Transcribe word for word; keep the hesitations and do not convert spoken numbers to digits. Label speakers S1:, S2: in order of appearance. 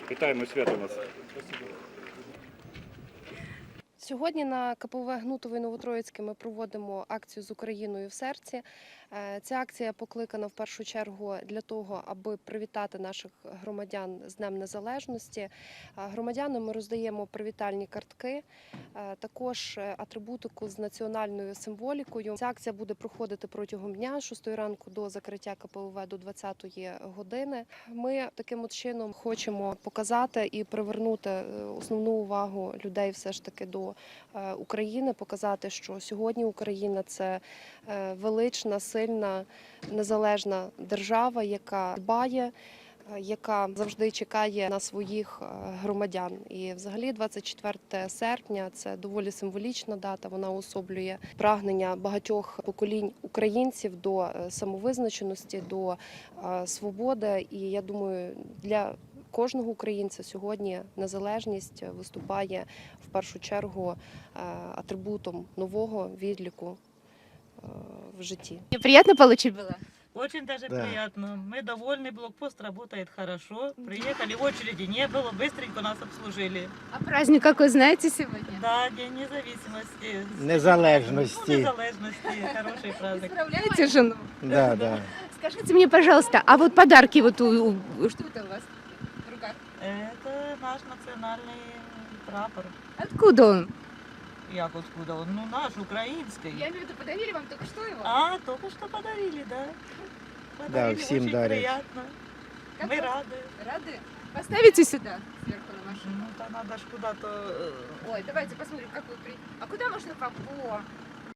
S1: Вітаємо, свято у нас.
S2: Сьогодні на ка пе ве Гнутове Новотроїцьке ми проводимо акцію «З Україною в серці». Ця акція покликана в першу чергу для того, аби привітати наших громадян з Днем Незалежності. Громадянам ми роздаємо привітальні картки, також атрибутику з національною символікою. Ця акція буде проходити протягом дня з шостої ранку до закриття ка пе ве до двадцятої години. Ми таким от чином хочемо показати і привернути основну увагу людей все ж таки до України, показати, що сьогодні Україна – це велична, сильна, незалежна держава, яка дбає, яка завжди чекає на своїх громадян. І взагалі двадцять четверте серпня – це доволі символічна дата, вона уособлює прагнення багатьох поколінь українців до самовизначеності, до свободи. І я думаю, для кожного українця сьогодні незалежність виступає в першу чергу атрибутом нового відліку в житті.
S3: Приятно получить было?
S4: Очень даже
S5: Да.
S4: приятно. Мы довольны, блокпост работает хорошо. Приехали, очереди не было, быстренько нас обслужили.
S3: А праздник какой знаете сегодня?
S4: Да, День независимости.
S5: Незалежности.
S4: Ну, незалежности, хороший праздник.
S3: Поздравляете жену?
S5: Да, да.
S3: Скажите мне, пожалуйста, а вот подарки вот у, у- что это у вас в руках?
S4: Это наш национальный прапор.
S3: Откуда он?
S4: Як откуда он? Ну, наш, украинский.
S3: Я имею в виду, подарили вам только что его?
S4: А, только что подарили, да. Подарили,
S5: всем
S4: очень
S5: дарят.
S4: приятно.
S3: Как
S4: Мы
S3: вы-
S4: рады.
S3: Рады? Поставите сюда, сверху на машину.
S4: Ну, то надо ж куда-то... э,
S3: Ой, давайте посмотрим, как вы при... А куда можно вам? О,